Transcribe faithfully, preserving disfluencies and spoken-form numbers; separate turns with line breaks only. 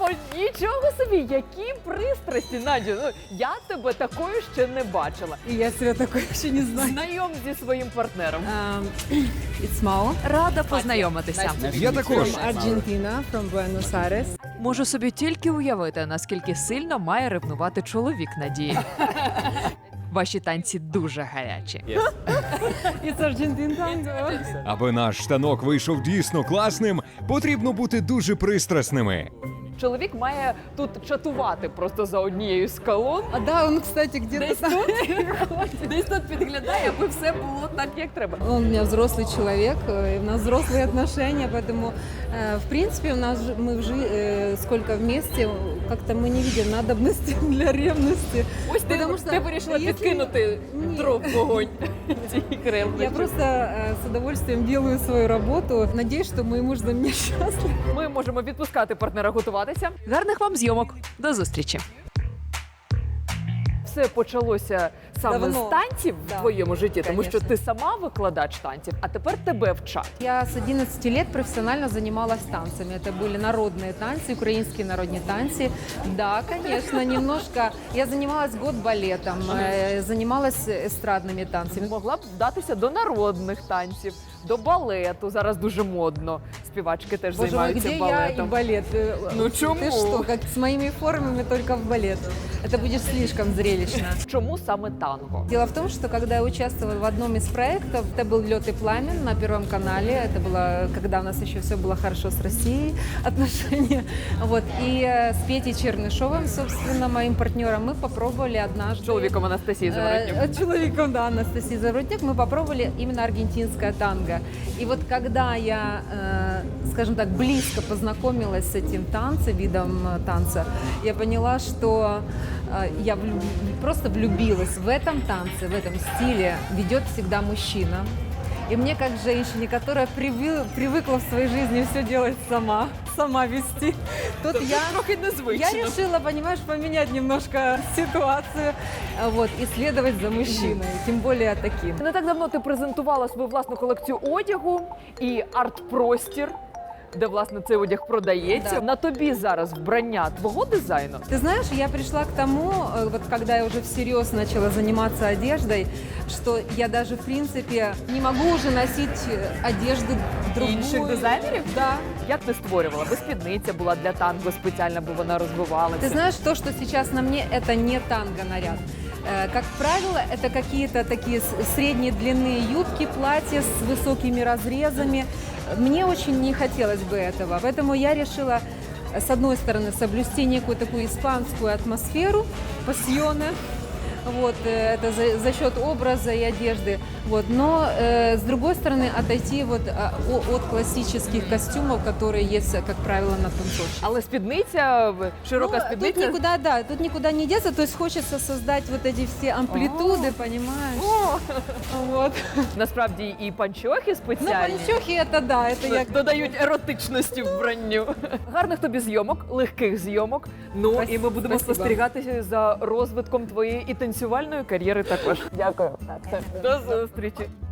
О, нічого собі, які пристрасті, Надю. Ну, я тебе такою ще не бачила.
И я себя такой еще не знаю.
Знайом зі своїм партнером.
Um, it's Mao
Рада познайомитися.
Я також.
from Argentina, from Buenos Aires.
Можу собі тільки уявити, наскільки сильно має ревнувати чоловік Надії. Ваші танці дуже гарячі.
It's Argentine tango.
Аби наш штанок вийшов дійсно класним, потрібно бути дуже пристрасними.
Чоловік має тут чатувати просто за однією з колон.
А да, он, кстати, где-то
Десь
там.
тут, десь тут підглядає, аби все було так, як треба.
Он у меня взрослый человек, э, и у нас взрослые отношения, поэтому, э, в принципе, у нас же- мы жи- э, сколько вместе, как-то мы не видим надобности для ревности.
Ось ти,
Потому що
ти вирішила
якщо-
підкинути
Ні.
дров в вогонь цієї кревлички.
Я просто э, с удовольствием делаю свою работу. Надеюсь, что мой муж за меня счастлив.
Ми можемо відпускати партнера готуватися. Гарних вам зйомок. До зустрічі. Все почалося саме
Давно.
з танців
Да,
в твоєму житті, тому що
конечно.
ти сама викладач танців, а тепер тебе вчать.
Я с одиннадцати лет профессионально занималась танцами. Это были народные танцы, украинские народные танцы. Да, конечно, немножко. Я занималась год балетом, э, занималась эстрадными танцами.
Могла б вдатися до народних танців, до балету. Зараз дуже модно. Співачки теж
Боже мой,
займаються
где я и
балетом.
балет? Э,
Ну, чему?
Ты что, как с моими формами только в балет. Это будет слишком зрелищно.
Чому саме танго?
Дело в том, что когда я участвовала в одном из проектов, это был «Лед и пламен» на Первом канале. Это было, когда у нас еще все было хорошо с Россией, отношения. Вот. И э, с Петей Чернышовым, собственно, моим партнером, мы попробовали однажды...
Чоловіком Анастасії Заворотнюк.
Э, Человеком, да, Анастасии Заворотнюк, мы попробовали именно аргентинское танго. И вот когда я, э, скажем так, близко познакомилась с этим танцем, видом э, танца, я поняла, что э, я влю- просто влюбилась в этом танце, в этом стиле. Ведет всегда мужчина. И мне, как женщине, которая привы- привыкла в своей жизни все делать сама, сама вести, тут я...
Трохи незвично.
Я решила, понимаешь, поменять немножко ситуацию, а, вот, и следовать за мужчиной, тем более таким.
Не так давно ти презентувала свою власну колекцію одягу і арт-простір, де, власне, цей одяг продається.
Да.
На тобі зараз вбрання твого дизайну.
Ты знаешь, я пришла к тому, э, вот когда я уже всерьез начала заниматься одеждой, что я даже, в принципе, не могу уже носить э, одежду другую.
Інших дизайнерів?
Да.
Як ти створювала? Бо спідниця була для танго спеціально, бо вона розвивалася.
Ты знаешь, то, что сейчас на мне, это не танго-наряд. Э, Как правило, это какие-то такие с- средней длины юбки, платья с высокими разрезами. Мне очень не хотелось бы этого, поэтому я решила, э, с одной стороны, соблюсти некую такую испанскую атмосферу, пассионе, вот, э, это за, за счет образа и одежды, вот, но э, с другой стороны отойти вот а, о- от классических костюмов, которые есть, как правило, на танцовщине.
Але спідниця, в- широка
Ну,
спідниця.
Тут никуда, да, тут никуда не деться, то есть хочется создать вот эти все амплитуды, понимаешь?
О!
Вот.
Насправді і панчохи
Ну,
спеціальні.
панчохи это да, это я...
Додають еротичності вбранню. Гарних тобі зйомок, легких зйомок. Ну і ми
Спасибо.
будемо спостерігати за розвитком твоєї і танцювальної кар'єри також. Дякую. До зустрічі.